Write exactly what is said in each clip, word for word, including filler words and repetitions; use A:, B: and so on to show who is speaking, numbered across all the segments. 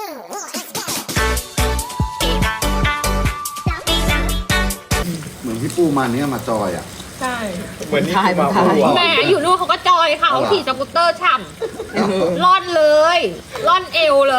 A: เหมือนพี่ปูมันเนี่ยมาจอยอ่ะ
B: ใช่
C: เหมือนที่มาพูด
D: แหมอยู่นู่นเขาก็จอยค่ะเขาขี่สกูตเตอร์ฉ่ำล่อนเลยล่อนเอวเลย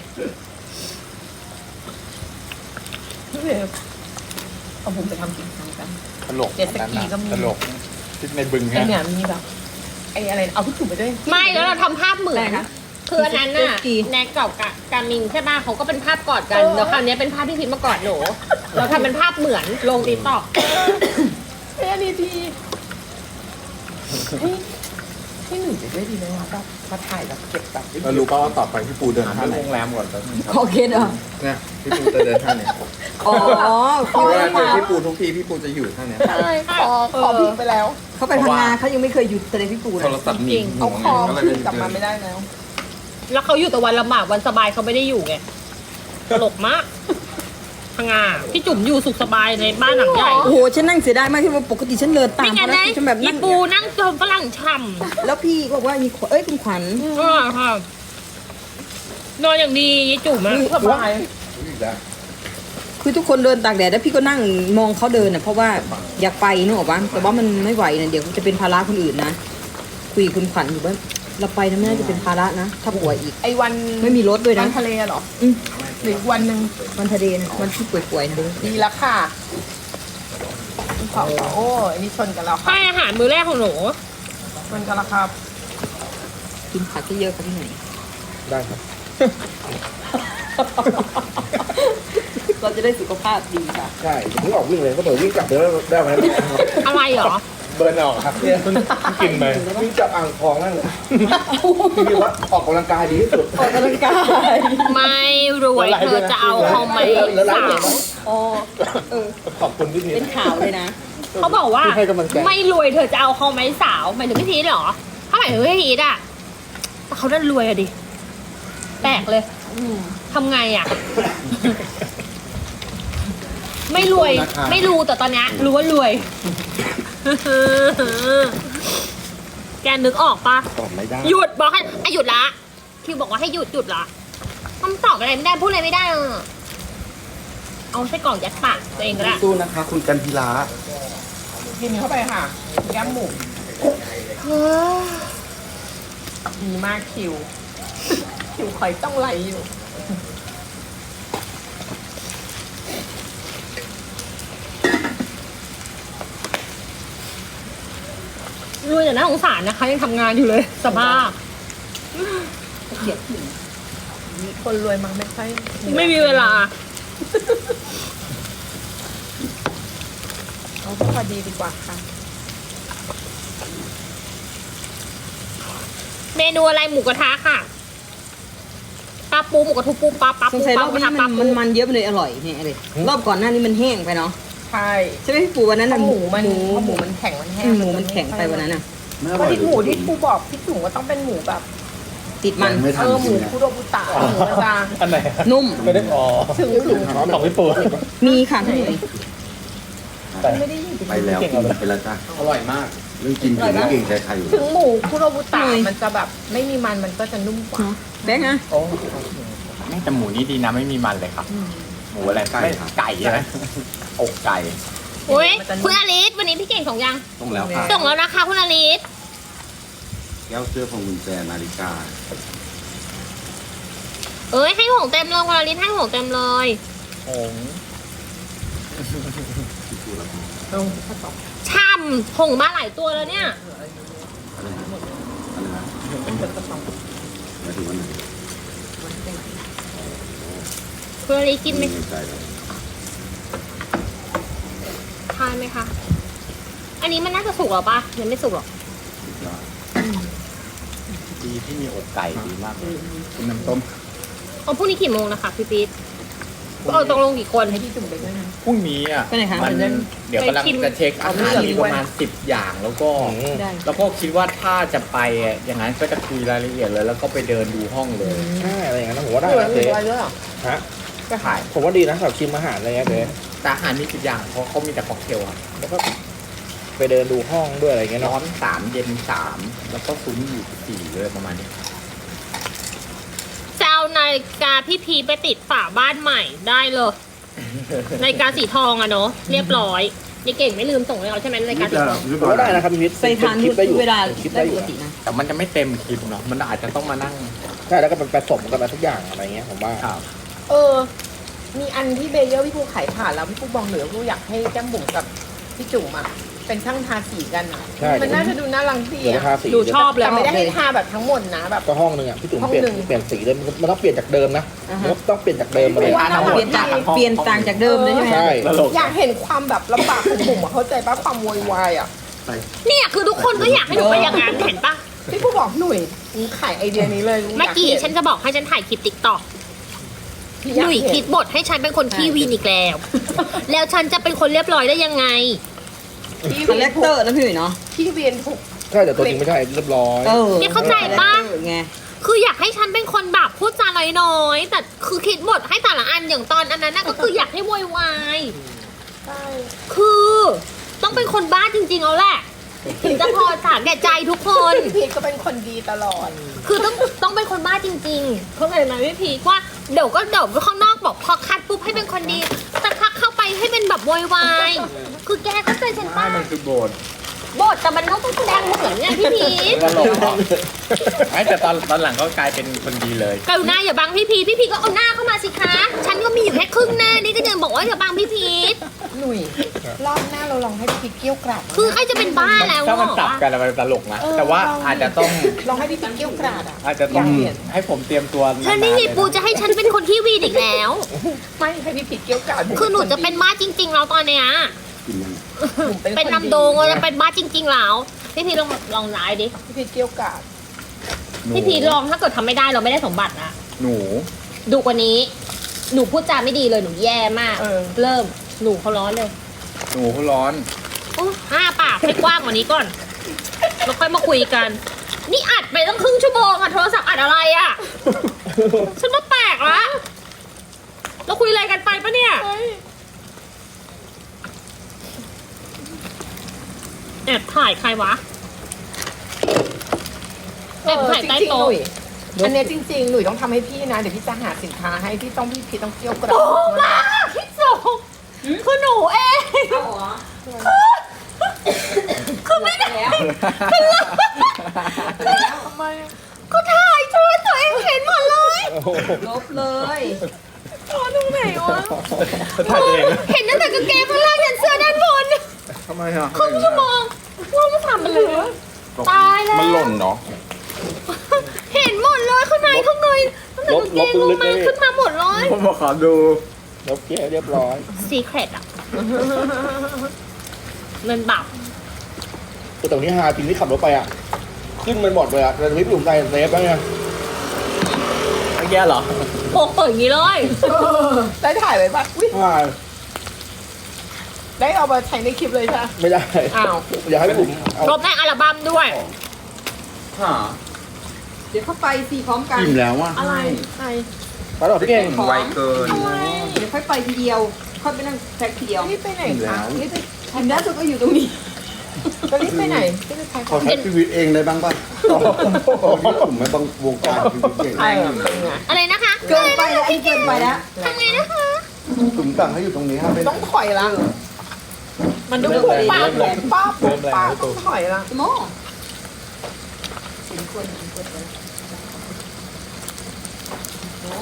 B: พี่เวฟเอาผมไปทำกินทำกัน
C: ตลก
B: เจ็ตสกีก็มี
C: ตลกที่ในบึง
B: ไอ
C: ฮะ
B: เนี่ยมีแบบไออะไรเอาพี่ถุงไปด้วย
D: ไม่แล้วเราทำภาพเหมือน
B: อะไรคะ
D: คืออันนั้นน่ะแน็กกับกะกามินใช่ป่ะเขาก็เป็นภาพกอดกันแล้วคราวนี้เป็นภาพที่พิมพ์มากอดหนูเราทำเป็นภาพเหมือนลงติ๊กต็อก
B: เฮ้ยอันนี้ดีเฮ้ยให้หนูไปด้วยดีไหมวะแบบมาถ่ายแบบเก็บแบบ
C: เรารู้ป่าว่าต่อไปพี่ปูเดินท่าไหนโรงแรมก่อนครับ
E: โอเคเนอะ
C: เนี่ยพี่ปูจะเดินท่าไหน
E: อ๋อ
C: เพราะว่าเจอพี่ปูทุกทีพี่ปูจะอยู่ท่าเนี้ย
B: ใช่ขอขอพิงไปแล้ว
E: เขาไปพังงาเขายังไม่เคยหยุดแสดงพี่ปูเล
C: โท
E: ย
C: รศัพท์หนีบ
B: เอาคอ
C: ก็เลย
B: พิงกลับมาไม่ได้แล้ว
D: แล้วเขาอยู่แต่วันลำบากวันสบายเขาไม่ได้อยู่ไงตลกมากพังงาพี่จุ๋มอยู่สุขสบายในบ้านหลังใหญ่
E: โอ้โหฉันนั่งเสียดายมากที่ว่าปกติฉันเดินตาม
D: ไม่งั้
E: เขา
D: น
E: นะ
D: นะ
E: ฉันแบบ
D: อี
E: นั่ง
D: ปูนั่งจนฝรั่งฉ่
E: แล้วพี่ก็บอกว่ามีขวเอ้ยคุณขวัญ
D: ำอ่าค่ะนอนอย่างดียายจุ๋มอะ
B: สบาย
E: คือทุกคนเดินตากแดดแล้วพี่ก็นั่งมองเขาเดินอ่ะเพราะว่าอยากไปนึกออกปะแต่ว่ามันไม่ไหวนะเดี๋ยวจะเป็นภาระคนอื่นนะคุยกับคุณขวัญอยู่ว่าเราไปนะไม่น่าจะเป็นภาระนะถ้าป่วยอีก
B: ไอวัน
E: ไม่มีรถด้วยนะ
B: วันทะเลเหรอ
E: อืม
B: หรืออีกวันหนึ่ง
E: วันทะเลนะวันที่ป่วยๆนะ
B: ดีแล้วค่ะขอโอ้อันนี้ชนกันแล้วค่ะ
D: ให้อาหารมื้อแรกของหนู
B: ชนกันแล้วครับ
E: กินผักที่เยอะๆค่ะพี่หน่อย
C: ได้ครับ
E: เราจะได้สุขภาพดีค่ะ
C: ใช่เพิ่งออกวิ่งเลยก็เปิดวิ่งกลับเดี๋ยวได้ไหม
D: อะไรเหรอ
C: เบิร์นออกครับเนี่ยกินไปวิ่งกลับอ่างทองนั่นคือว่าออกกำลังกายดีที่สุด
E: ออกกำลังกาย
D: ไม่รวยเธอจะเอาเขาไหมสาว
E: อ๋อเออ
C: ขอบคุณพี่พี
E: เป็นข่าวเลยนะ
D: เขาบอกว่า
C: ที่ให้กำลังใจ
D: ไม่รวยเธอจะเอาเขาไหมสาวหมายถึงพี่พีทเหรอถ้าหมายถึงพี่พีทอะแต่เขาดันรวยอะดิแปลกเลยทำไงอะไม่รวยไม่รู้แต่ตอนเนี้ยรู้ว่ารวย แกนึกออกปะ
C: ตอบไม่ได้
D: หยุดบอกให้อ่ะหยุดละคิวบอกว่าให้หยุดหยุดละคำตอบอะไรไม่ได้พูดอะไรไม่ได้เออเอาไส้กรอกยัดปากตัวเองก็ได้
A: สู้นะคะ คุณกันพิลา
B: กินเข้าไปค่ะแก้มหมูดีมากคิว คิวคอยต้องไหลอยู่
D: รวยแต่น่าสงสารนะคะยังทำงานอยู่เลยสภาพ
E: เกลียดผู้หญิง
B: คนรวยมันไม่ค่อย
D: ไม่มีเวลา
B: เอาพอดีดีกว่าค่ะ
D: เมนูอะไรหมูกระทะค่ะปลาปูหมูกระทุปูปลาปลา
E: ส
D: ปู
E: งสัย
D: ป
E: ร
D: ลา
E: อบ
D: หมูกระ
E: นี้
D: ทะปลา
E: มัน
D: ปู
E: มันมันเยอะไปเลยอร่อยเนี่ยเลยรอบก่อนหน้านี้มันแห้งไปเนาะ
B: ใช่
E: ใช่ไหมพี่ปูวันนั้น
B: เพ
E: น่ะ
B: ราะหมูมัน
E: หมู
B: เพราะ
E: ห
B: ห
E: มู
B: มูมันแข็งมันแห้
E: อื
B: ง
E: มหมูมันแข็งไปวันนั้นน่ะ
A: ไม่อ
B: ก็
A: ร่อย
B: ที่หมูที่ครูบอกพี่จุ๋มว่าต้องเป็นหมูแบบ
E: ติดมัน
A: ไม่ทั
B: เอน อห
A: จ
B: มู
A: ริงๆ
B: คุโรบุตะหมูมันจะ
C: อันไหน
E: นุ่ม
C: ไม่ได้อ๋อ
B: ถึงถึง
C: ของพี่ปู
E: มีค่ะพี่หน่อย
B: ไม่ได้ยิน
A: ไปแล้วกินไปแล้วจ้า
C: อร่อยมาก
A: เรื่องกินกินไม่เก่งใจใครอยู่
B: ถึงหมูคุโรบุตะมันจะแบบไม่มีมันมันก็จะนุ่มกว่า
E: เนาะแบงค์อะ
C: โอ้
F: ไม่แต่หมูนี่ดีนะไม่มีมันเลยครับ หมูอะไร
A: ไก่
F: ไม่
A: ครับ
F: ไก่ใช่ไหมอกไก่
D: โอ้ยคุณอลิสวันนี้พี่เก่งส่งยัง
A: ต้องแล้วค่ะ
D: ส่งแล้วนะคะคุณอลิส
A: แก้วเสื้อพวงกุญแจนาฬิกา
D: เอ้ยให้ของเต็มเลยคุณอลิสให้ของเต็มเลย
F: โอ้ง
A: ที่พูดแล้ว
B: เอาข้าวตอก
D: ช่ำผงมาหลายตัวแล้วเนี่ย
A: อะไรนะอะไรนะ
B: เป็นกระตอก
A: หมายถึงวันไหน
D: คุณอลิสกินไหม
A: ไม่ใจแล้ว
D: ทานไหมคะ อันนี้มันน่าจะสุกหรอปะยังไม่สุกหรอก
F: ดีที่มีอกไก่ดีมากเลย
A: คุณน้ำต้ม
D: เอาพรุ่งนี้กี่โมงนะคะพี่ปี๊ดเอาตรงลงกี่คน
B: ให้พี่จุ๋มไปด้วยนะ
F: พรุ่งนี้อ่ะ
E: ไปไหนคะ
F: มันเดี๋ยวกำลัง
D: ไปชิม
F: จะเช็คอาหาร
B: เอาเรื่อง
F: มีประมาณสิบอย่างแล้วก็
E: ได้
F: แล้วก็คิดว่าถ้าจะไปอ่ะอย่างนั้นก็จะคุยรายละเอียดเลย แล้วก็ไปเดินดูห้องเลย
C: ใช่อะไรอย่างนั้นผมว่าได้
B: เหลือ
C: นะ
B: เหลื
C: เจ๊
B: ออะไรด้วยอ่ะ
C: ฮะ
B: ก็ขาย
C: ผมว่าดีนะสำหรับชิมอาหารอะไรเงี้ยเจ๊
F: แต่อาหารมีสิบอย่างเพราะเขามีแต่ค็อกเทลอ่ะ
C: แล้วก็ไปเดินดูห้องด้วยอะไรเงี้ย
F: ร้อ
C: เนาะ
F: นสามเย็นสามแล้วก็ซุ้มอยู่สี่เลยประมาณนี้
D: จะเอานานาฬิกาพี่พีไปติดฝาบ้านใหม่ได้เลยนาฬิกาสีทองอะเนาะเรียบร้อยนี่เก่งไม่ลืมส่งให้เขาใช่ไหมนาฬิกาสีทอง
C: ผมก็ได้นะครับพี่พิษ
E: ใส่ทาน
C: คลิปได้อยู่
E: เวลา
C: คลิป
E: ได้
C: ได้อ
E: ป
C: ยู่
E: กตินะ
F: แต่มันจะไม่เต็มคลิปเนาะมันอาจจะต้องมานั่ง
C: ใช่แล้วก็เป็นผสมกันมาทุกอย่างอะไรเงี้ยผมว่า
F: ครับ
B: เออ มีอันที่เบเยอร์พี่ปูขายผ่านแล้วพี่ปูบอกเหนือพี่ปูอยากให้แก้มบุ๋มกับพี่จุ๋มอ่ะเป็นช่างทาสีกันอ่ะ
C: ใช่
B: มันน่าจะดูน่ารังดี
C: เดี๋ยว
B: อ่ะ
C: ราคาสี
D: ดูชอบเลย
B: แต่ไม่ได้ให้ทาแบบทั้งหมดนะแบบ
C: ก็ห้องหนึงอ่ะพี่จุ๋ม
B: ห้อง
C: เปลี่ยน
B: หนึ่ง
C: เปลี่ยนสีเลยมันมันต้องเปลี่ยนจากเดิมนะ
E: อ่าฮะ
C: มันต้องเปลี่ยนจากเดิมมาเลย
B: ว่า
E: เปลี่ยนจากเปลี่ยนต่างจากเดิมเลยใช่ไหม
C: ใช่
F: ตลก
B: อยากเห็นความแบบลำบากของบุ๋มอะเข้าใจป่ะความโวยวายอ่ะ
D: เนี่ยคือทุกคนก็อยากให้หนูไปอย่างนั้นเห็นปะ
B: พี่ปูบอกหนุ่ยมึงขายไอเดียนี้เลย
D: เมื่อกี้ฉันจะบอกให้ฉันถ่ายคลิปติ๊กต็อกหนุ่ยคิดบทให้ฉันเป็นคนขี้วีนอีกแล้ว แล้วฉันจะเป็นคนเรียบร้อยได้ยังไง
B: พี่
E: คา
B: เวี
E: แร
B: ยน
E: คเตอร์นะพี่หนุ่ยเนาะ
B: พี่เวียนถูก
C: ใช่แต่ตัวจริงไม่ใช่เรียบร้อย
E: เออ
D: เนี่ยเข้าใจปะ
E: คาแรคเตอร์ไง
D: คืออยากให้ฉันเป็นคนแบบพูดจาน้อยๆแต่คือคิดบทให้แต่ละอันอย่างตอนอันนั้นน่ะก็คืออยากให้โวยวาย
B: ใช่
D: คือต้องเป็นคนบ้าจริงๆเอาแหละถึงจะพอสามแก่ใจทุกคน
B: พี่พีทก็เป็นคนดีตลอด
D: คือต้องต้องเป็นคนบ้าจริงๆเพราะอะไรนะพี่พีคว่าเดี๋ยวก็เดี๋ยวข้างนอกบอกพอคัดปุ๊บให้เป็นคนดีแต่พักเข้าไปให้เป็นแบบโวยวายคือแกเข้าใจฉัน
F: ไม่
D: ป้า
F: มันคือโบสถ์
D: บทแต่มันต้องแสดงเหมือนไงพี่พีค
F: ตลกเหรอไม่แต่ตอนตอนหลังก็กลายเป็นคนดีเลย
D: กรุณาอย่าบังพี่พีชพี่พีชก็เอาหน้าเข้ามาสิคะ ฉันก็มีอยู่แค่ครึ่งหน้านี่ก็ยังบอกว่าอย่าบังพี่พีช
B: หนุ่ยรอบหน้าเราลองให้พี่พีทเกี้ยวกราด
D: คือใครจะเป็นบ้าแล้ว
F: ถ้ามัน
D: เหร
F: จับ
D: อ
F: กันอะมันตลกนะ แต่ว่าอาจจะต้อง
B: ลองให้พี่พีทเกี้ยวกราดอ่ะ
F: อาจจะต้อง
B: อยากเห็น
F: ให้ผมเตรียมตัว
D: ฉันไม่มีปูจะให้ฉันเป็นคนที่วีนอีกแล้ว
B: ไม่ให้พี่พีทเกี้ยวกราด
D: คือหนูจะเป็นบ้าจริงๆแล้วตอนเนี้ย
A: กินยัง
B: หนู
D: เป็นลำโดงเราจะเป็นบ้าจริงๆแล้วพี่พีชลองลองไลน์ดิ
B: พี่พีทเกี้ยวกราด
F: หนู
D: พี่พีชลองถ้าเกิดทำไม่ได้เราไม่ได้สมบัตินะ
F: หนู
D: ดูกว่านี้ หนูพูดจาไม่ดีเลยหนูแย่มาก
B: เออ
D: เริ่มหนูเขาร้อนเลย
F: หนูเขาร้อน
D: โอ้ห้าปากให้กว้างกว่านี้ก่อนแล้วค่อยมาคุยกัน นี่อัดไปตั้งครึ่งชั่วโมงอะโทรศัพท์อัดอะไรอะฉันว่าแปลกละเราคุยอะไรกันไปปะเนี่ยแอบถ่ายใครวะแอบถ่ายใต้โต๊ะ
B: เออจริงๆหนุ่ยอันเนี้ยจริงๆหนุ่ยต้องทำให้พี่นะเดี๋ยวพี่จะหาสินค้าให้พี่ต้องพี่พีทต้องเกี้ยวกราด
D: โอ้มาพี่ส่งคือหนูเอง
E: เอาเหรอ
D: คือไม่ได้
E: แล้ว
B: ทำไมอะ
D: ก็ถ่ายโชว์ตัวเองเห็นหมดเลย
E: ลบเลย
B: อ๋อตรงไหนวะ
F: ถ่ายเอง
D: เห็นตั้งแต่กางเกงข้างล่างยันเสื้อด้านบน
F: ทำไมอ่ะ
D: ครึ่งชั่วโมงว่ามันทำมันเหลือตายแล้ว
A: มันหล่นเนาะ
D: เห็นหมดเลยข้างในข้างในตั้งแต่กางเกงลงมาขึ้นมาหมดเลย
F: ผมมาขอดู
C: ลบเกี้ยวเรียบร้อย
D: ซีเครตอ่ะเงินบับ
C: แต่ตรงนี้ฮาจริงที่ขับรถไปอ่ะ ขึ้นมันหมดเลยอ่ะแต่ไม่ปุ่มใจเซฟแล้วไง
F: เมื่อกี้เหรอ
D: โปกเปิดอย่างนี้เลย
B: ได้ถ่ายไว้ปะอุ๊ย
C: อ่า
B: ได้เอามาใช้ในคลิปเลยใช่ไหม
C: ไม่ได้
B: อ้าว
C: อยากให้ปุ่มเอา
D: รบในอัลบั้มด้วย
F: หา
E: เดี๋ยวเข้าไปสี่พร้อมกัน
A: อิ่มแล้วอ่ะ
B: อะไรใคร
C: ไปต่อพี่เก่ง
A: ไวเกิน
B: อะไร
E: เดี๋ยวค่อยไปทีเดียว ค่อยไปนั่งแท็กทีเดียว
B: รีบไปไหนคะรีบไป
E: ทีมด้านสุดก็อยู่ตรงนี้
B: จะรีบไปไหนรีบไปใคร
A: ขอใช้ชีวิตเองได้บ้างป่ะผมไม่ต้องวงการชีวิตเอง
B: เออเป็นไง
D: อะไรนะคะ
E: เกินไปแล้วอันนี้เกินไปแล้ว
D: ทำไงนะคะ
A: ถุงสั่งให้อยู่ตรงนี้ครับเป็น
B: ต้องถอยละมันต้องปุ๊บป้าปุ๊บป้าปุ๊บป้าต้องถอยละ
E: โมเป็นคนเป็นคนไปโอ้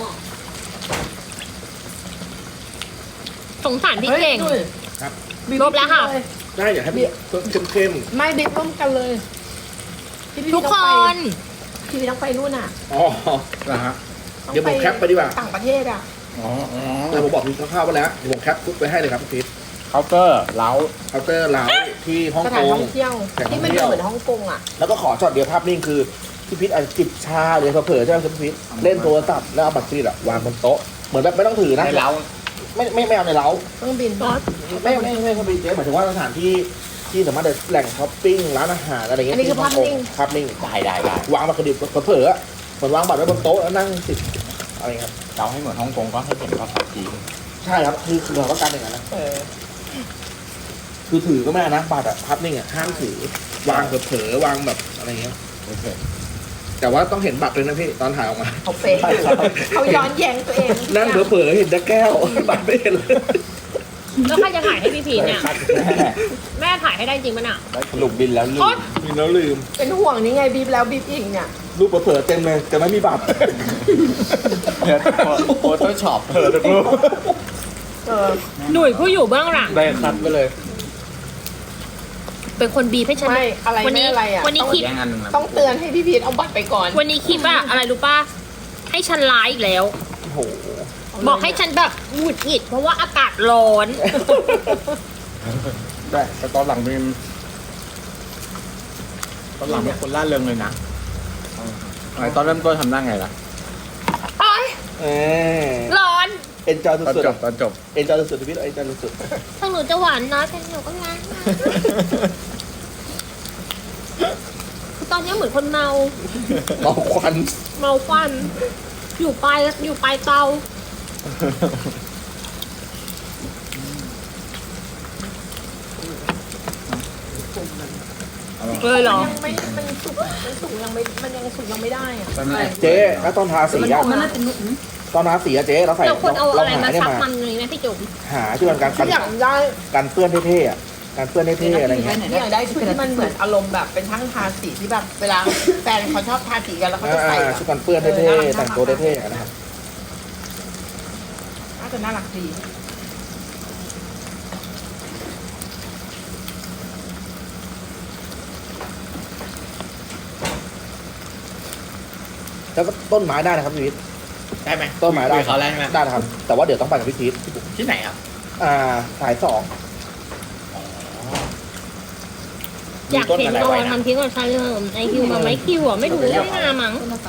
D: สงสารพี่เก่ง
B: ฮ้ย
C: ครับ
B: บิ๊
D: ลบแล้วค่ะ
B: เลย
C: ได้อยากให้พี่เข้มเข้ม
B: ไม่บิ๊กร่วมกันเลยพี่พี่
D: ทุก
B: ต้อง
D: ค
B: ไป
D: น
B: พี่พี่ต้องไปนู่นอ่ะ
C: ๆอ๋อนะฮะ
B: ต้อง
C: เดี๋ยวผมแคปไปดีกว่า
B: ต่างประเทศอ่ะ
F: อ๋ออ๋อ
C: แต่ผมบอกพี่คร่าวๆไปแล้วเดี๋ยวผมแคปปุ๊บไปให้เลยครับพี่พีท
F: เคาน์เตอร์เล้า
C: เคาน์เตอร์ร้านที่ฮ่อง
B: ส
C: ก
B: ถาน
C: ง
B: ท่องเที่ยว
C: สถานท่
B: ที่
C: อง
B: มัน
C: เที่ยว
B: เหมือนฮ่องกงอ่ะ
C: แล้วก็ขอช็อตเดียวภาพนิ่งคือพี่พีทอาจจะจิบชาหรือเผลอๆใช่ไหมพี่พีทเล่นโทรศัพท์แล้วเอาบัตรเครดิตอะวางบนโต๊ะเหมือนแบบไม่ต้องถือนะ
F: ในเล้า
C: ไม่ไม่ไม่เอาในเล้า
B: เครื่องบิน
C: ไม่ไม่ไม่ไม่ไม่เจ๊หมายถึงว่าสถานที่ที่สามารถเดินแหล่งช้อปปิ้งร้านอาหารอะไรเงี้ย
B: อันนี้คือภาพนิ่ง
C: ภาพนิ่ง
F: ได้ได้ได้
C: วางบัตรเครดิตเผลอๆอะเหมือนวางบัตรไว้บนโต๊ะแล้วนั่งติดอะไรครับ
F: เราให้เหมือนฮ่องกงก็ให้เห็นภาษาจีน
C: ใช่ครับคือคือเราต้องการอย่างนั้นนะ
B: เออ
C: คือถือก็ไม่ได้นะบัตรอะภาพนิ่งอะห้ามถือวางเผลอๆวางแบบอะไรเงี้ย
F: โอเค
C: แแต่ว่าต้องเห็นบัตรเลยนะพี่ตอนถ่ายออกมา
B: เขาเฟซอยู่เขาย้อนแย้งตัวเอง
C: นั่งเผลอๆเห็นแต่แก้ว บัตรไม่เห็นเลย
D: แล้วใครจะถ่ายให้พี่พีชเนี่ย
A: แม่
D: แม่ถ่ายให้ได้จริงปะเนี่ย
A: สรุปบินแล้วลืม
D: โอ๊ย
C: มีแล้วลืม
B: เป็นห่วงนี่ไงบีบแล้วบีบอีกเนี่ย
C: รูปเผลอๆเต็มเลยแต่ไม่มีบัตร
F: เดี๋ยวโฟโต้ช็อปเธอทุกรูป
B: เออ
D: หนุ่ยผู้อยู่เบื้องหลัง
F: ได้คัดไปเลย
D: เป็นคนบีบให้ฉัน
B: ไม่อะไร
D: วัน
B: ไม่
D: นี้
B: อะไรอ่ะ
D: วันนี้
B: ต้อง
D: คลิป
F: แย่งอันหนึ่งนะ
B: ต้องเตือนให้พี่พีทเอาบัตรไปก่อน
D: วันนี้คลิปอะอะไรรู้ป่ะ ให้ฉันไลฟ์อีกแล้ว
C: โอ้โห
D: บอกให้ฉันแบบหงุดหงิดเพราะว่าอากาศร้อน
F: ได้แต่ตอนหลังมีตอนหลังมีคนล่าเริงเลยนะไอ้ตอนเริ่มต้นทำได้ไงล่ะ
D: โอ๊ย
C: เออ
D: ร้อน
C: เอ็นจอย
F: ตอน
C: สุด
F: จบตอนจบ
C: ๆเอ็นจอยสุดๆชีวิตเอ็นจอยสุด
D: ถึงหนูจะหวานน้อยแต่หนูก็รักนะคือตอนนี้เหมือนคนเมา
C: ๆเมาควัน
D: เมาควัน อยู่ปลายอยู่ปลายเตา เลยเหรอ
B: ยังไม่มันสุกมันสุกยังไม่มันยังสุกยังไม่ได้อ่ะ
C: เจ๊แล้วตอนทาสีอะ
E: มันน่าจะนุ่ม
C: ตอนทาสีอะเจ๊เราใส่
D: เราควรเอาอะไรมา
C: หาได้
D: ซับ
C: มา
D: มันอย่างนี้ไหมพี่จุ๋ม
C: หาที่มันการ
B: ที่อยากได้
C: การเปื้อนเท่ๆอะการเปื้อนเท่ๆอะไรเงี้ย
B: ที่อยากได้ชุดที่มันเหมือนอารมณ์แบบเป็นช่างทาสีที่แบบเวลาแฟนเขาชอบทาสีกันแล้วเขาจะใส่
C: อ่า
B: แบบ
C: ชุดกันเปื้อนเท่ๆแต่งตัวเท่ๆอะนะครับ
B: น่าจะน่ารักดี
C: แล้วก็ต้นไม้ได้นะครับพี่พีท
F: ได้ไหม
C: ต้นไม้ได้
F: คุยกับเขาแล้วใช่ไหม
C: ได้นะครับ แต่ว่าเดี๋ยวต้องไปกับพี่พีท
F: ที่ไหนอ่ะ
C: อ่าสายสอง
D: อยากเห็นโดนทำคลิปกับชายเริ่มไอคิวมาไหมคิวอ่ะไม่รู้ไม่มามั้ง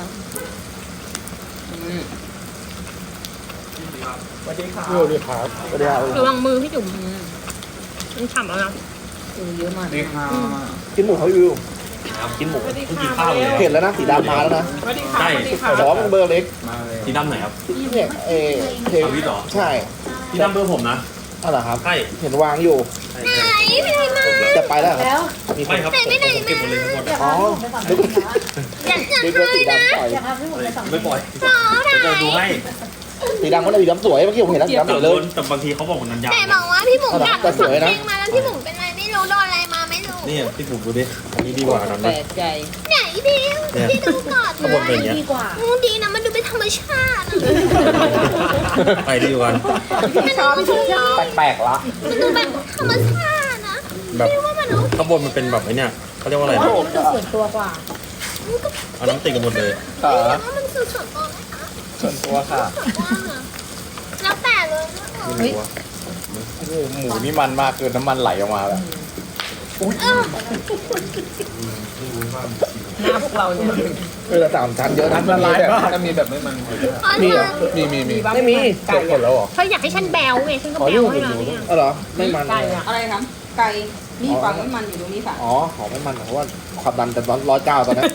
F: สวัสดีครับ
C: ก็ได้เอา
D: ระวังมือพี่จุ๋มมันฉ่ำแล้วนะ
E: เออเยอะมาก
F: สวัสดีครับ
C: กินหมูเขาวิวกินหมู
B: สวัสดีค่ะ
C: เห็นแล้วนะสีดำมาแล้วนะ
B: สวัสดีค่ะสวัสดีค่ะ
C: แต่ว่ามันเบอร์เล็ก
F: มาเลย
G: สีดำไหนครับ
C: ที่เนี่ยเอเท
G: เอาวิทย์เหรอ
C: ใช่
G: สีดำเบอร์ผมนะ
C: อ๋อเหรอครับ
G: ใช่
C: เห็นวางอยู่
G: ใช่
D: ไหน
G: ใช่
D: ไม่ได้มา
C: จะไปแล้วเหรอครับมีคน
G: ไม่ครับผมผมเก็บหมดเลยทั้งหมด
C: อ๋อนึก
D: อยากจะ
C: นึกว่าสีดำปล่อย
G: ไม่ปล่อย
D: สาวไหน
G: เดี๋ยวจะดูให้
C: สีดำก็ได้สีดำสวยเมื่อกี้ผมเห็นแล้วสีดำส
G: แต่
C: วยเลย
G: แต่บางทีเขาบอกมันนันยาว
D: แต่บอกว่าพี่บุ๋มอยาก
C: แต่ส
D: สั
C: วยนะ
D: เพลงมาแล้วพี่บุ๋มเป็นอะไรไม่รู้โดนอะไรมาไม่รู้
G: นี่พี่ถูกดูดิอันนี้ดีกว่านั้น
E: แปล
G: นะ
E: กใจ
D: ไหนดิพี่ดูก่อน
G: ข้างบนเป็นอย่างเงี้ย
D: มูดีนะมันดูเป็นธรรมชาติอะ
G: ไปดีกว่ากัน
B: พี่ชอบพี่ชอบชอบ
F: แปลกๆละ
D: มันดูแบบธรรมชาตินะ
G: แบบ
D: ไม่ว่ามันรู้
G: ข้างบนมันเป็นแบบไอ้เนี่ยเขาเรียกว่าอะไรนะ
E: ส่วนตัวกว่า
G: เอาน้ำติดกันหมดเลย
F: ค่ะ
D: แต่ว่ามันคือส่วนตัวไหมคะ
F: ส่วนตัวค่ะ
D: ส่วนตัวเหรอแล้วแต่เลยนะ
G: ไม่รู้ว่า
F: โอ้โหหมูนี่มันมากเกินน้ำมันไหลออกมาแบบ
B: หน้าพวกเราเนี่ย
C: เออแต่สามชั้นเยอะนะ
F: ละลาย
C: แบบ
F: มากถ้ามีแบบไม่มัน
C: มีเหรอ
F: มีมีมี
C: ไม่มี
F: จบหมดแล้วเหรอ
D: เธออยากให้ฉันแบวไงฉันก็
C: ขอ
D: แบ
C: ยุ่
D: ว
C: ง
D: ให้เราเนี่ย
C: เออเหรอไม่มัน
B: ไก่อะ
E: อะไรครับ ไก่มีฝังน้ำมันอยู่ตรงนี้ค่ะ
C: อ๋อหอมไม่มันเพราะว่าความดันแต่ร้อยร้อยเก้าตอนนั้น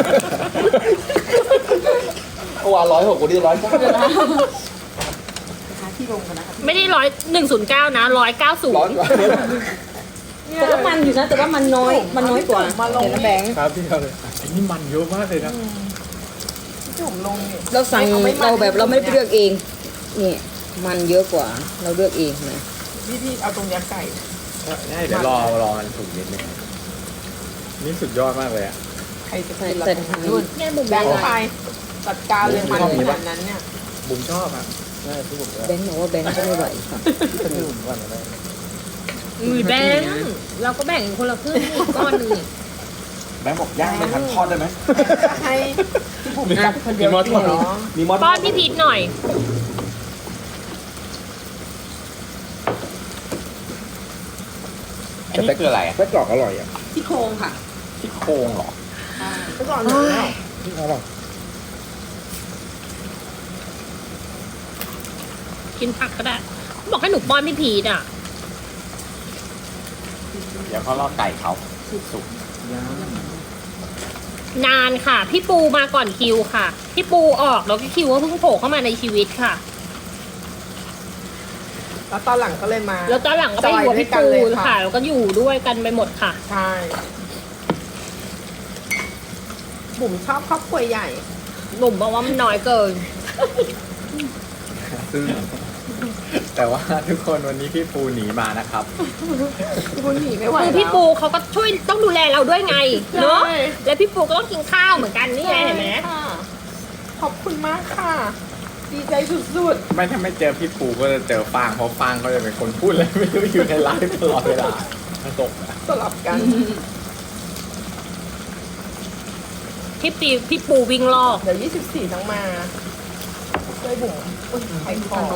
C: เมื่อวานร้อยหกวันนี้ร้อยเก้า
E: หาที่ลงกันนะครับ
D: ไม่ได้ร้อยหนึ่งศูนย์เก้านะร้อยเก้าศูน
C: ร้อย
D: ย์
C: กว่า
E: แต่ก็มันอยู่นะ แต่ว่ามันน้อย มันน้อยกว่า
B: มาลง
E: เดี๋ยวนะแบงค์
F: ครับพี่เขาเลยอันนี้มันเยอะมากเลยนะ
B: พี่จุ๋มลงเนี่ย
E: เราสั่ง
B: อไม่มัน
E: เราแบบเราไม่ได้เลือกเอง นี่มันเยอะกว่า เราเลือกเองนะ
B: พี่พี่เอาตรงเนี้ยไก่
F: ใช่เดี๋ยวรอรอมันสุกนิดนึงนี่สุดยอดมากเลยอ่ะ
B: ใครจะกินละนู่น
D: เนี่ยบุ๋ม
B: แบ
D: แบ
B: ง
D: ว
B: ค์ไปจัดการเลยมันขนาดนั้นเนี่ย
F: บุ๋มชอบอ่ะใช่ที่ผมชอบ
E: แบงค์บอกว่าแบงค์ก็ไม่ไหวค่ะ
F: ที่บุ๋มว่าอะไร
D: มือแบงเราก็แบ่งคนละครึ่งอีกก้อนหนึงนี่
A: แบงค์บอกย่างไม่ทันทอดได้ไหม
B: ให้พี่บุ๋มจัดคนเดียวกินเหรอ
C: มีมอส
D: ป้อนพี่พีทหน่อย
F: อันนี้คืออะไรอ่ะ
C: ไส้กรอกอร่อยอ่ะ
E: ที่โครงค่ะ
F: ที่โครงเหรอ
B: ไปก่อนเลย
C: อร่อย
D: กินผักก็ได้ บอกให้หนูป้อนพี่พีทอ่ะ
F: เดี๋ยวเขารอไก่เขาสุก
D: นานค่ะ พี่ปูมาก่อนคิวค่ะ พี่ปูออกแล้วก็คิวก็เพิ่งโผล่เข้ามาในชีวิตค่ะ
B: แล้วตอนหลังก็เลยมา
D: แล้วตอนหลังก็ไปอยู่กับพี่ปู
B: จอยด้วยกันเลยค่ะ
D: ค่ะ แล้วก็อยู่ด้วยกันไปหมดค่ะ
B: ใช่บุ๋มชอบครอบครัวใหญ่
D: หนุ่มบอกว่ามันน้อยเกิน
F: ซึ่งแต่ว่าทุกคนวันนี้พี่ปูหนีมานะครับ
B: คุณหนีไม่ไหว
D: คือ
B: แล้ว
D: พี่ปูเขาก็ช่วยต้องดูแลเราด้วยไง
B: ใช่
D: เนาะแล้วพี่ปูก็ต้องกินข้าวเหมือนกันนี่ไงเห็นไหม
B: ค่ะขอบคุณมากค่ะ ดีใจสุด
F: ไม่ถ้าไม่เจอพี่ปูก็จะเจอฟางเพราะฟางเขาจะเป็นคนพูดอะไรไม่รู้อยู่ในไลฟ์ตลอดเวลาตก
B: ๆสลับกัน
D: พี่ปีพี่ปูวิ่งรอบ
B: เดี๋ยวยี่สิบสี่ทั้งมาช่วยบุ๋มอุ้ยไข่คอ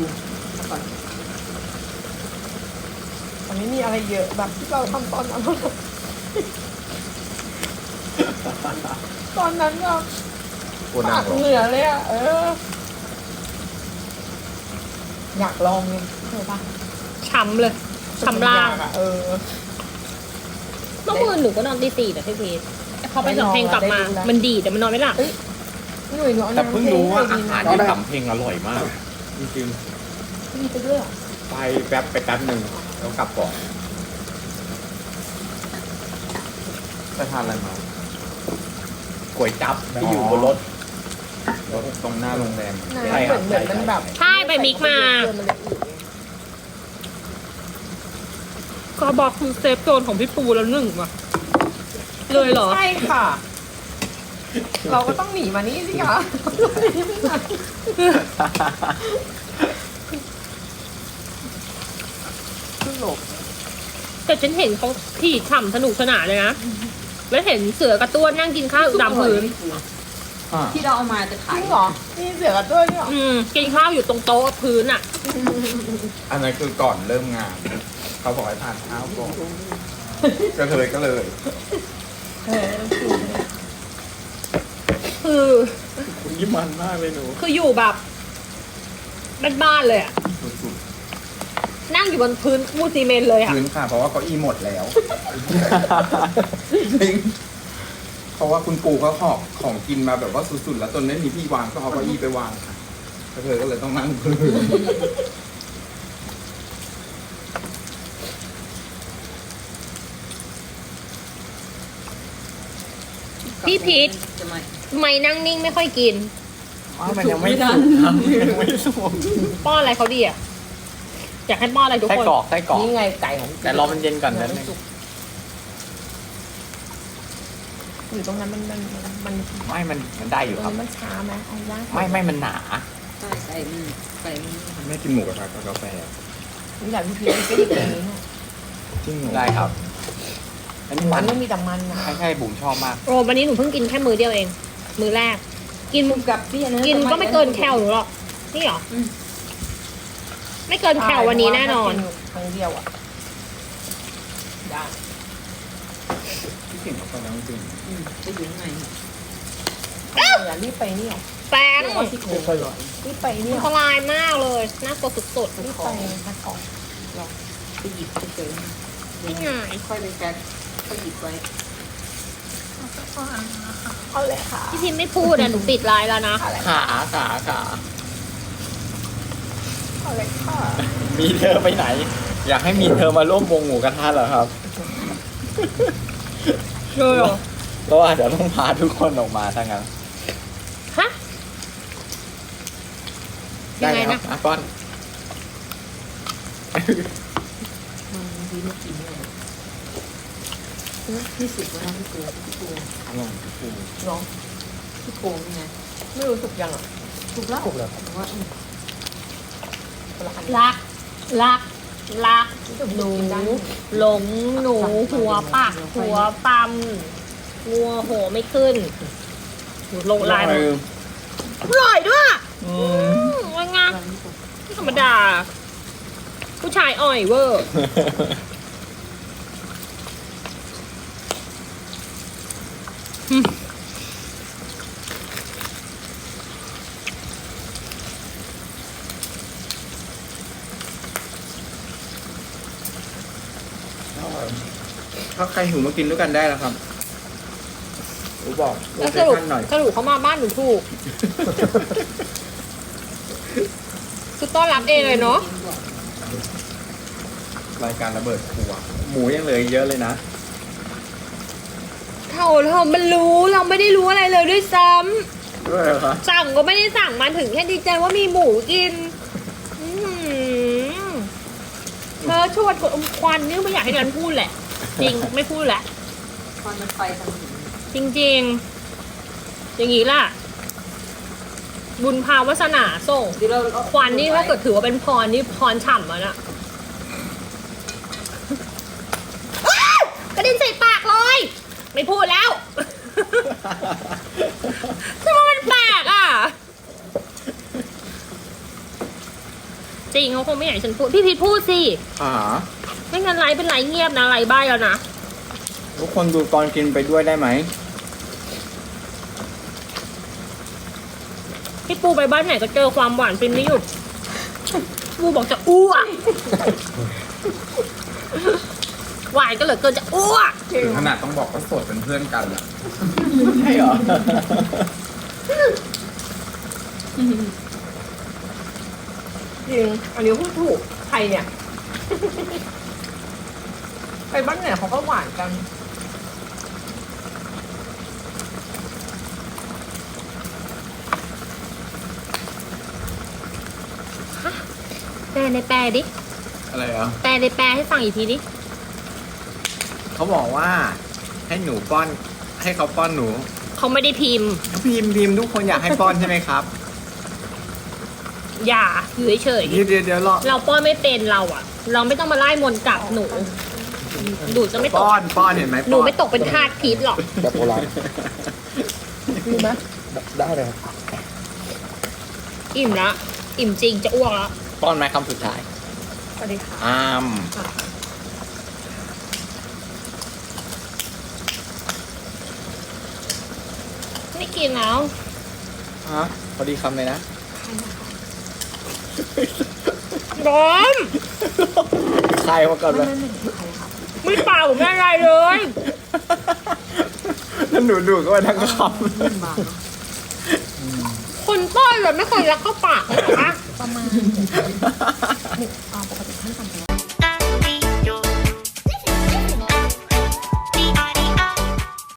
B: มันไม่มีอะไรเยอะแบบที่เราทำตอนนั้น ตอนนั้นก็
F: ปูนั่
B: ปาง ก
F: ลง
B: เหนือเลยอ่ะ เออ อยากลองเลยเคยปะ
D: ช้ำเลยช้ำล่าง
B: อยกอะเออ
D: เมื่อคืนหนูก็นอนตีสี่แต่พี่พีทพอไปสำเพลงกลับมา
B: ได้ดูแล้ว
D: มันดีแต่มันนอนไม่หลับ
B: เอ้ย หนุ่ยหนูเอา
F: แต่
B: น้ำ
F: เพิ่งรู้ว่าอาหาร
B: ให้
F: ที่สำเพ็งอร่อยมาก จริง
B: มีไปด้วยเหรอ
F: ๆ ไปแป๊บไปแป๊บหนึ่งแล้วกลับก่อนไปทานอะไรมาก๋วยจั๊บที่อยู่บนรถรถตรงหน้าโรงแรม
B: น้ำ
F: ใช่
B: เห
F: ค
B: มื
F: รั
B: อบ นเหมือนมันแบบ
D: ใช่ไปมิกมา
B: เกินมันเลยอืดไง
D: ก็บอกคือเซฟโซนของพี่ปูแล้วหนึ่งว่ะเลยเหรอ
B: ใช่ค่ะ เราก็ต้องหนีมานี่สิคะหนีไม่ไหนขึ้นหลบ
D: แต่ฉันเห็นเขาขี่ฉ่ำสนุกสนานเลยนะ แล้วเห็นเสือกระต้วนนั่งกินข้าวอยู่ตามพื้น
F: อ่า
E: ที่เราเอามาจะ
B: จ
E: ขาย
B: ริงเหรอ นี่เสือกับด้วยเนี่ยเหรอ
D: อืมกินข้าวอยู่ตรงโต๊ะพื้นอ่ะ
F: อันนั้นคือก่อนเริ่มงาน เขาบอกให้ทานข้าวก่อนก็เลยก็เลย
B: เออ
D: คือ
F: คุณยิ้มมันมากเลยหนู
D: คืออยู่แบบบ้านๆเลยอ่ะ
F: สุด
D: นั่งอยู่บนพื้นมูซีเมนต์เลย
A: ๆ
D: อ่ะ
A: พื้นค่ะ เพราะว่าเก้าอี้หมดแล้วจริงเพราะว่าคุณปู่เขาหอบของกินมาแบบว่าสุดๆ แล้วจนไม่มีที่วางก็เอาเก้าอี้ไปวางค่ะแล้วเธอก็เลยต้องนั่งพื้น
D: พี่พีท
E: จะมา
D: ทำไมนั่งนิ่งไม่ค่อยกิน
F: ๆอ้าวมันยังไม่สุกครับยังไม่สุก
D: ป้อนอะไรเขาดีอ่ะ อยากให้ป้อนอะไรทุก
F: ไส้
D: คน
F: กรอกไส้กรอก
B: นี่ไงไก่ของ
F: แต่รอมันเย็นก่อนนะ
B: อยู่ตรงนั้นมันมันมัน
F: ไม่มันมันได้อยู่ครับ
B: มันช้าไหมเอาย่าง
F: ไม่ไม่มันหนา
E: ใช่ไก่มันไก่มัน
A: ไม่กินหมูกระทะกับกาแฟ
B: นี่อยากพี่พีชก็หยิบตรงนี้เนี่ย
A: จริงเหรอ
F: ได้ครับ อันนี้
B: มั
F: มัน น
B: ไม่มีแต่มันนะ
F: ใช่ใช่บุ๋มชอบมาก
D: โอ้วันนี้หนูเพิ่งกินแค่มือเดียวเอง มือแรก กิน
E: กับพี่อันนั้น
D: กินก็ไม่เกินแคลหนูหรอก นี่หรออไม่เกินแคลวันนี้แน่นอน
B: ครั้งเดียวอ่ะได้
F: พี่กิ่งเขาตอนนั้นจริง
E: อืมจะอยู่ข้างใน
B: อย่ารีบไปนี่หรอ
D: แป้ง
B: ว่าที่โค้งรีบไปนี่
D: อันตรายมากเลย น่ากลัวสุด
B: รีบไปพักก่อน
E: ไปหยิบไปเจอ
D: ๆนี่ไง
E: ค่อยไปแก๊กค่อยหยิบไว้
B: เอาเลยค่ะ
D: พี่พิมไม่พูดอ่ะ หนูปิดไลน์แล้วนะ
F: ขาขาขา
B: เอาเลยค่ะ
F: มีเธอไปไหน อยากให้มีเธอมาร่วมวงหมูกระทะเหรอครับ
D: เลยเหรอ
F: ก็อาจจะต้องพาทุกคนออกมาถ้างั้น
D: ฮะ ยังไง
F: ครั
D: นะ
F: อ่ะก้อน
E: มันดีไม่กินเลยที่สุดว่าพี่โกพี่โก
B: น้อง
E: พี่โกนี่ไง
B: ไม่รู้สึกยังอ่ะ
E: ถูกแล้วถูกแล้วว่า
B: คนละอัน
D: รัก รัก รัก
B: หนู
D: หลงหนู หัวปากหัวปั๊มงัวโหไม่ขึ้นหนูลงไลน์มาอร่อยด้วย
F: อื
D: อื
F: ม
D: มว่าไงไม่ธรรมดา ผู้ชายอ่อยเวอร์
A: ถ้าใครหิวมากินด้วยกันได้แล้วครับอูบอกโล
D: แล้ว
A: เค
D: สรุป
A: ชั่นหน่อย
D: สรุปเขามาบ้านหนูถูก คือต้อนรับเองเลยเนาะ
A: รายการระเบิดครัว
F: หมูยังเหลืออีกเยอะเลยนะ
D: ทเท่าเธอมันรู้เราไม่ได้รู้อะไรเลยด้วยซ้ำ
A: ด้วยเหรอคะ
D: สั่งก็ไม่ได้สั่งมาถึงแค่ดีใจว่ามีหมูกินอื้อหือเธอชวนคนอมควันนี่ไม่อยากให้นันพูดแหละ จริงไม่พูดแหละ
E: ควันมันไปทางนี้
D: จริงๆ อย่างนี้ล่ะ บุญพาวาสนาส่ง
E: เดี๋ยวเราเอา
D: ควันนี่ถ้าเกิดถือว่าเป็นพรนี่พรฉ่ำแล้วนะอ้าวกระเด็นใส่ปากเลย ไม่พูดแล้วทำไมมันแปลกอ่ะ จริงเขาคงไม่อยากให้ฉันพูด พี่พีทพูดสิ
A: อ่า
D: ไม่งั้นไลฟ์เป็นไลฟ์เงียบนะไลฟ์บ้ายแล้วนะ
A: ทุกคนดูตอนกินไปด้วยได้ไหม
D: พี่ปูไปบ้านไหนก็เจอความหวานฟินไม่หยุด ปูบอกจะอ้วก หวานก็เหลือเกินจะอ้วก
A: ถึงขนาดต้องบอกว่าโสดเป็นเพื่อนกันอะ
C: ใช่เหรอ
B: จริง อันนี้พูดถูก ใครเนี่ย ไปบ้านไหนเขาก็หวานกัน
D: แปลในแปลดิ
A: อะไรอ่ะ
D: แปลในแปลให้ฟังอีกทีดิ
F: เขาบอกว่าให้หนูป้อน ให้เขาป้อนหนู
D: เขาไม่ได้พิมพ์
F: พิมพ์พิมพ์ทุกคนอยากให้ป้อนใช่ไหมครับ
D: อย่าอยู่เฉย
F: เดี๋ยวเดี๋ยวเดี๋ยวรอ
D: ๆเราป้อนไม่เป็นเราอะเราไม่ต้องมาไล่มนต์กลับหนู ดูจะไม่ตก
F: ป้อนป้อนเห็นไหม
D: หนู
F: ป้อน
D: ไม่ตกเป็นทาสพีทหรอก
C: แบบโบราณมีไหมได้เลยครับ
D: อิ่มละ อิ่มจริงจะอ้วกแล้ว
F: ป้อนไหมคำสุดท้าย
B: สวัสดีค่ะ
F: อ้าม
D: ไม่กินแล้ว
F: ฮะพอดีคำเลยนะ
D: บอม
F: ใครมาก่อนเลย
D: ไม่เปล่าไม่อะไรเลย
F: แล้วหนูดูก็ไปทั้งค
D: คนป้อนเลยไม่เคยรักเข้าปากเลยเหรอคะ
E: ประมาณ
F: ำ
E: ปกติขั้นต่ำ